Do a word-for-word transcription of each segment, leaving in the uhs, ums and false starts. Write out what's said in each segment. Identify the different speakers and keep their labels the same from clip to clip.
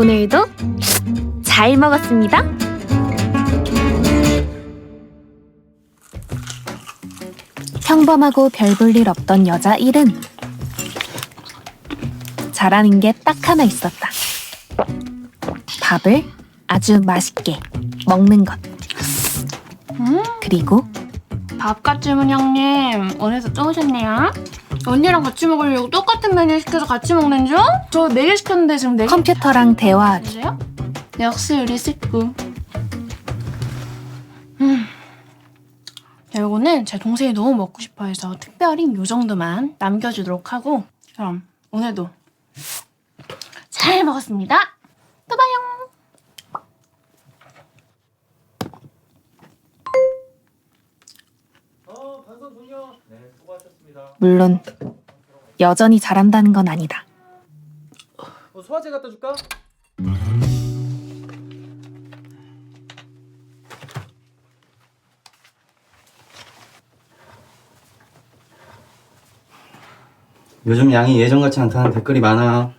Speaker 1: 오늘도 잘 먹었습니다. 평범하고 별 볼 일 없던 여자 일은 잘하는 게 딱 하나 있었다. 밥을 아주 맛있게 먹는 것.
Speaker 2: 음?
Speaker 1: 그리고
Speaker 2: 밥갓집은 형님 오늘도 또 오셨네요. 언니랑 같이 먹으려고 똑같은 메뉴 시켜서 같이 먹는 중? 저 네 개 시켰는데 지금 네 개.
Speaker 1: 컴퓨터랑 대화하기.
Speaker 2: 주세요? 역시 우리 식구. 음. 이거는 제 동생이 너무 먹고 싶어 해서 특별히 요 정도만 남겨주도록 하고, 그럼 오늘도 잘 먹었습니다. 또 봐요.
Speaker 3: 어, 반성 종료. 네, 수고하셨습니다.
Speaker 1: 물론 여전히 잘한다는 건 아니다.
Speaker 3: 어, 소화제 갖다 줄까? 요즘 양이 예전 같지 않다는 댓글이 많아.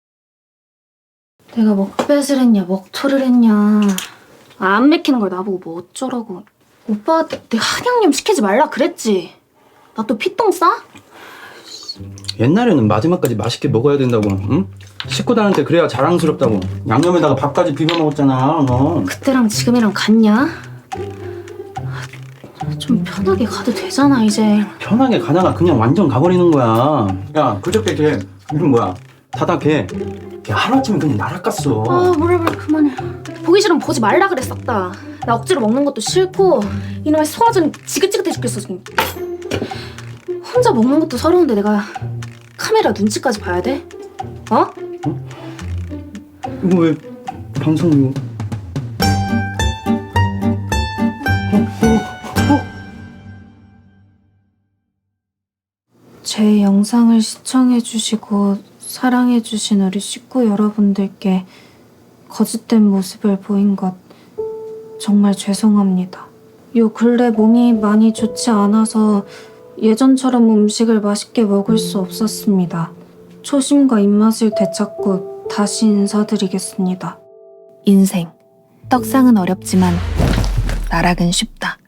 Speaker 2: 내가 먹뱃을 했냐 먹토를 했냐, 아, 안 맥히는 걸 나보고 뭐 어쩌라고. 오빠한테 내가 한양념 시키지 말라 그랬지. 나 또 피똥 싸?
Speaker 3: 옛날에는 마지막까지 맛있게 먹어야 된다고, 응? 식구들한테 그래야 자랑스럽다고 양념에다가 밥까지 비벼 먹었잖아, 너.
Speaker 2: 그때랑 지금이랑 같냐? 좀 편하게 가도 되잖아 이제.
Speaker 3: 편하게 가다가 그냥 완전 가버리는 거야. 야, 그저께 걔 이름 뭐야? 다다 걔. 걔 하루아침에 그냥 날아갔어.
Speaker 2: 아 뭐래 뭐래 그만해. 보기 싫으면 보지 말라 그래 싹 다. 나 억지로 먹는 것도 싫고 이놈의 소화전이 지긋지긋해 죽겠어 지금. 혼자 먹는 것도 서러운데 내가 카메라 눈치까지 봐야 돼? 어?
Speaker 3: 이거 왜 방송 이거?
Speaker 2: 제 영상을 시청해주시고 사랑해주신 우리 식구 여러분들께 거짓된 모습을 보인 것 정말 죄송합니다. 요 근래 몸이 많이 좋지 않아서 예전처럼 음식을 맛있게 먹을 수 없었습니다. 초심과 입맛을 되찾고 다시 인사드리겠습니다.
Speaker 1: 인생. 떡상은 어렵지만 나락은 쉽다.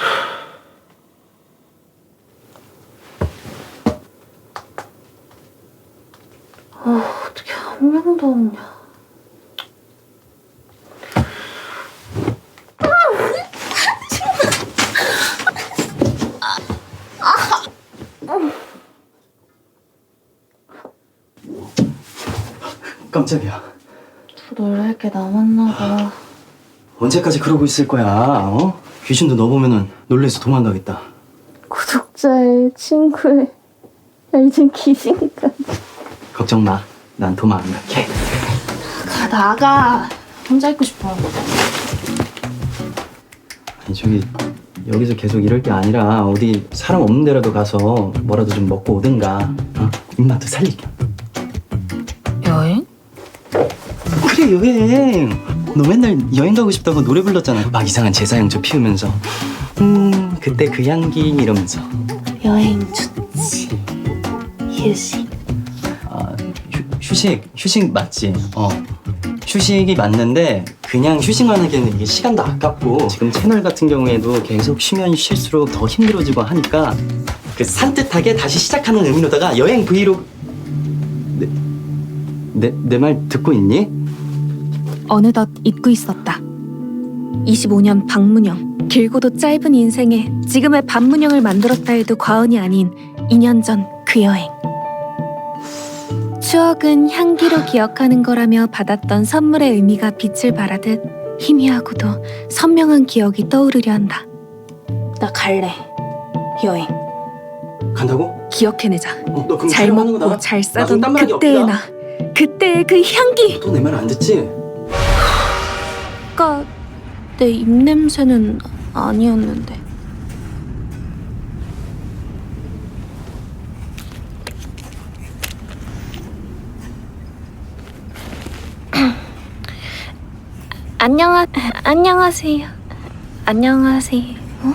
Speaker 2: 아, 어떻게 한 명도 없냐.
Speaker 3: 깜짝이야.
Speaker 2: 또 놀랄 게 남았나 봐.
Speaker 3: 언제까지 그러고 있을 거야? 어? 귀신도 너 보면은 놀래서 도망가겠다.
Speaker 2: 구독자의 친구의 알진 귀신까지.
Speaker 3: 걱정 마. 난 도망 안 갈게.
Speaker 2: 가 나가. 혼자 있고 싶어.
Speaker 3: 아니 저기 여기서 계속 이럴 게 아니라 어디 사람 없는 데라도 가서 뭐라도 좀 먹고 오든가. 어? 입맛도 살릴게.
Speaker 1: 여행?
Speaker 3: 그래, 여행. 너 맨날 여행 가고 싶다고 노래 불렀잖아. 막 이상한 제사향초 피우면서 음 그때 그 향기 이러면서.
Speaker 2: 여행 좋지. 휴식.
Speaker 3: 아, 휴, 휴식 휴식 맞지? 어 휴식이 맞는데 그냥 휴식만 하기에는 이게 시간도 아깝고 지금 채널 같은 경우에도 계속 쉬면 쉴수록 더 힘들어지고 하니까 그 산뜻하게 다시 시작하는 의미로다가 여행 브이로그. 내 내 말 듣고 있니?
Speaker 1: 어느덧 잊고 있었다. 이십오 년 박문영. 길고도 짧은 인생에 지금의 반문영을 만들었다 해도 과언이 아닌 이 년 전 그 여행. 추억은 향기로 기억하는 거라며 받았던 선물의 의미가 빛을 발하듯 희미하고도 선명한 기억이 떠오르려 한다.
Speaker 2: 나 갈래. 여행.
Speaker 3: 간다고?
Speaker 1: 기억해내자.
Speaker 3: 어, 너 그럼
Speaker 1: 잘
Speaker 3: 촬영하는
Speaker 1: 먹고
Speaker 3: 거다.
Speaker 1: 잘
Speaker 3: 나
Speaker 1: 싸던
Speaker 3: 그럼 땀나기
Speaker 1: 그때의
Speaker 3: 없다.
Speaker 1: 나. 그때의 그 향기.
Speaker 3: 또 내 말 안 듣지?
Speaker 1: 아까 내 입냄새는 아니었는데. 안녕하 안녕하세요. 안녕하세요. 어?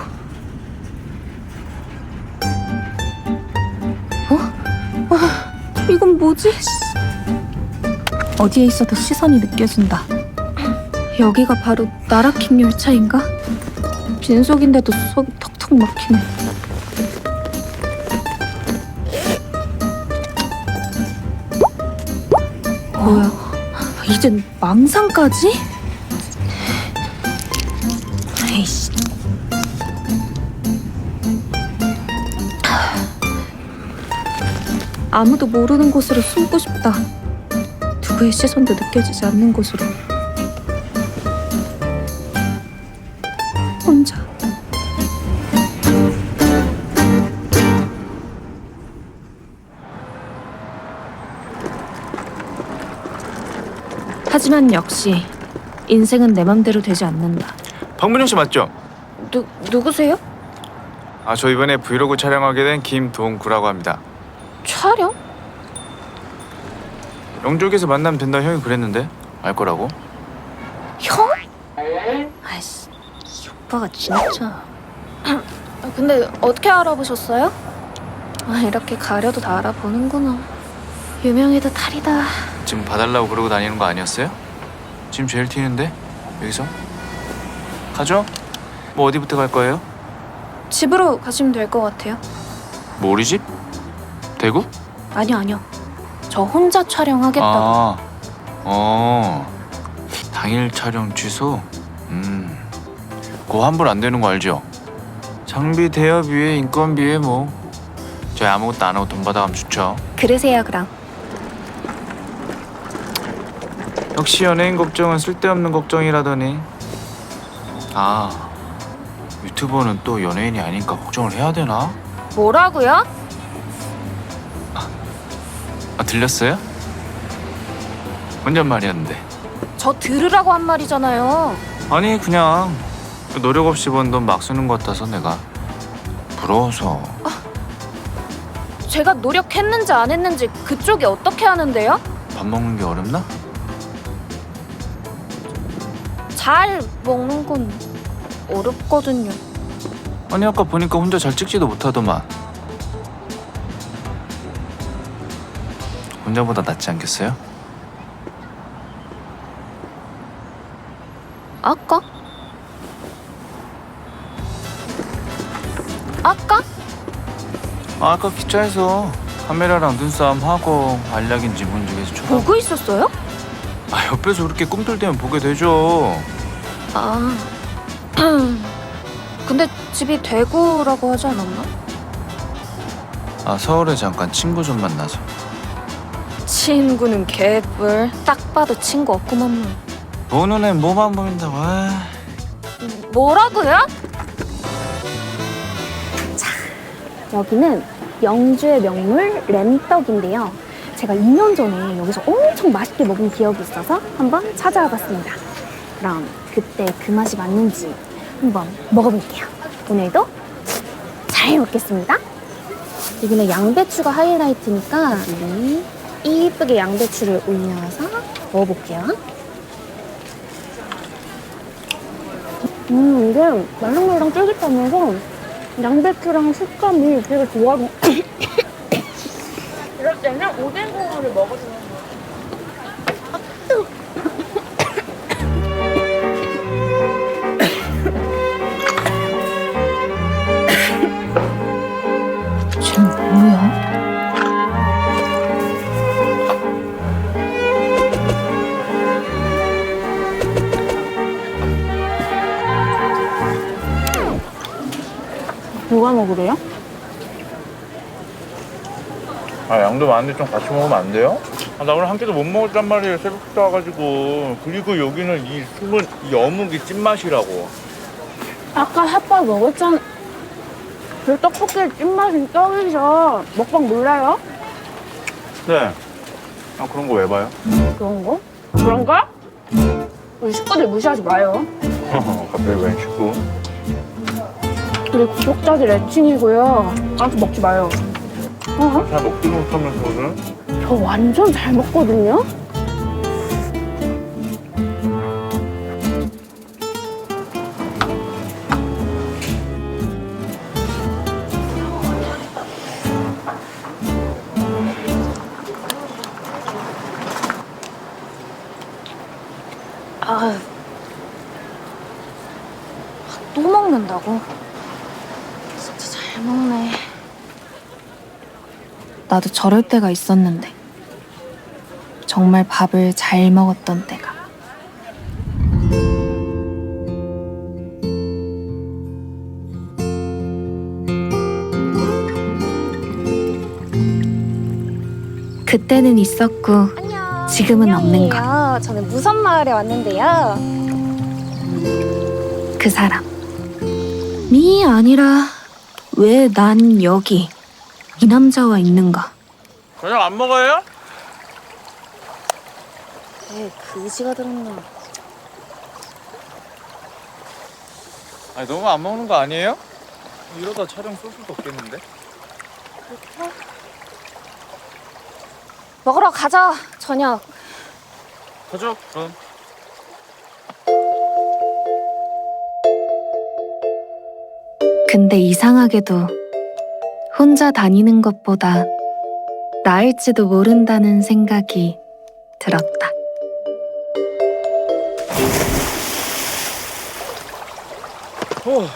Speaker 1: 어? 어? 이건 뭐지? 어디에 있어도 시선이 느껴진다. 여기가 바로 나라킹 열차인가? 빈속인데도 속이 턱턱 막히네. 뭐야, 이젠 망상까지? 에이씨. 아무도 모르는 곳으로 숨고 싶다. 누구의 시선도 느껴지지 않는 곳으로. 혼자. 하지만 역시 인생은 내 맘대로 되지 않는다.
Speaker 4: 박문영 씨 맞죠?
Speaker 1: 누, 누구세요?
Speaker 4: 아, 저 이번에 브이로그 촬영하게 된 김동구라고 합니다.
Speaker 1: 촬영?
Speaker 4: 영족에서 만나면 된다 형이 그랬는데 알 거라고?
Speaker 1: 형? 아이씨, 이 오빠가 진짜. 아, 근데 어떻게 알아보셨어요? 아, 이렇게 가려도 다 알아보는구나. 유명해도 탈이다.
Speaker 4: 지금 봐달라고 그러고 다니는 거 아니었어요? 지금 제일 튀는데 여기서? 가죠? 뭐 어디부터 갈 거예요?
Speaker 1: 집으로 가시면 될 것 같아요.
Speaker 4: 뭐 우리 집? 대구?
Speaker 1: 아니요, 아니요. 저 혼자 촬영하겠다고.
Speaker 4: 아, 어, 당일 촬영 취소? 음, 그거 환불 안 되는 거 알죠? 장비 대여비에 인건비에 뭐 저희 아무것도 안 하고 돈 받아가면 좋죠.
Speaker 1: 그러세요, 그럼.
Speaker 4: 역시 연예인 걱정은 쓸데없는 걱정이라더니. 아, 유튜버는 또 연예인이 아니니까 걱정을 해야 되나?
Speaker 1: 뭐라고요?
Speaker 4: 아, 들렸어요? 혼잣말이었는데.
Speaker 1: 저 들으라고 한 말이잖아요.
Speaker 4: 아니 그냥 노력 없이 번 돈 막 쓰는 것 같아서 내가 부러워서.
Speaker 1: 제가 노력했는지 안 했는지 그쪽이 어떻게 하는데요?
Speaker 4: 밥 먹는 게 어렵나?
Speaker 1: 잘 먹는 건 어렵거든요.
Speaker 4: 아니 아까 보니까 혼자 잘 찍지도 못하더만. 혼자보다 낫지 않겠어요?
Speaker 1: 아까? 아까?
Speaker 4: 아, 아까 기차에서 카메라랑 눈싸움 하고 알약인지 뭔지 계속 쳐다.
Speaker 1: 보고 있었어요?
Speaker 4: 아, 옆에서 그렇게 꿈틀대면 보게 되죠.
Speaker 1: 아. 근데 집이 대구라고 하지 않았나?
Speaker 4: 아, 서울에 잠깐 친구 좀 만나서.
Speaker 1: 친구는 개뿔. 딱 봐도 친구 없구만 뭐.
Speaker 4: 보는 애 뭐만 보인다고. 아.
Speaker 1: 뭐라고요?
Speaker 2: 여기는 영주의 명물 램떡인데요. 제가 이 년 전에 여기서 엄청 맛있게 먹은 기억이 있어서 한번 찾아와 봤습니다. 그럼 그때 그 맛이 맞는지 한번 먹어볼게요. 오늘도 잘 먹겠습니다. 여기는 양배추가 하이라이트니까 우리 이쁘게 양배추를 올려서 먹어볼게요. 음, 이게 말랑말랑 쫄깃하면서 양배추랑 식감이 되게 좋아요. 이럴 때는 오뎅 국물을 먹어주는 거예요.
Speaker 1: 쟤는 뭐야?
Speaker 2: 누가 먹으래요?
Speaker 4: 아, 양도 많은데 좀 같이 먹으면 안 돼요? 아, 나 오늘 한 끼도 못 먹었단 말이에요. 새벽부터 와가지고. 그리고 여기는 이 숨은 이 어묵이 찐맛이라고.
Speaker 2: 아까 핫바 먹었잖아. 그 떡볶이 찐맛이 떡이죠. 먹방 몰라요?
Speaker 4: 네. 아, 그런 거 왜 봐요?
Speaker 2: 그런 거? 그런가? 우리 식구들 무시하지 마요.
Speaker 4: 갑자기 웬 식구?
Speaker 2: 우리 구독자들 애칭이고요. 아무튼 먹지 마요. 어?
Speaker 4: 잘 먹지도 못하면서는.
Speaker 2: 저 완전 잘 먹거든요? 아, 또 먹는다고? 진짜 잘 먹네.
Speaker 1: 나도 저럴 때가 있었는데. 정말 밥을 잘 먹었던 때가. 그때는 있었고
Speaker 5: 안녕.
Speaker 1: 지금은 없는 것.
Speaker 5: 안녕이에요. 저는 무선마을에 왔는데요.
Speaker 1: 그 사람. 미 아니라 왜 난 여기 이 남자와 있는가?
Speaker 4: 저녁 안 먹어요?
Speaker 5: 에 그지가 들었나.
Speaker 4: 아니 너무 안 먹는 거 아니에요? 이러다 촬영 쏠 수도 없겠는데?
Speaker 5: 먹으러 가자. 저녁.
Speaker 4: 가죠 그럼.
Speaker 1: 근데 이상하게도 혼자 다니는 것보다 나을지도 모른다는 생각이 들었다.
Speaker 4: 오.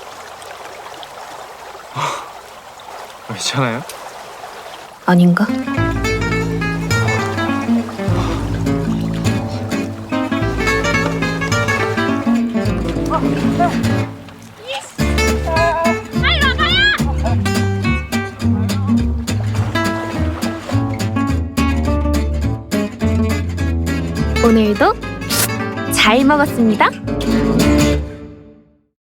Speaker 4: 괜찮아요?
Speaker 1: 아닌가? 오늘도 잘 먹었습니다.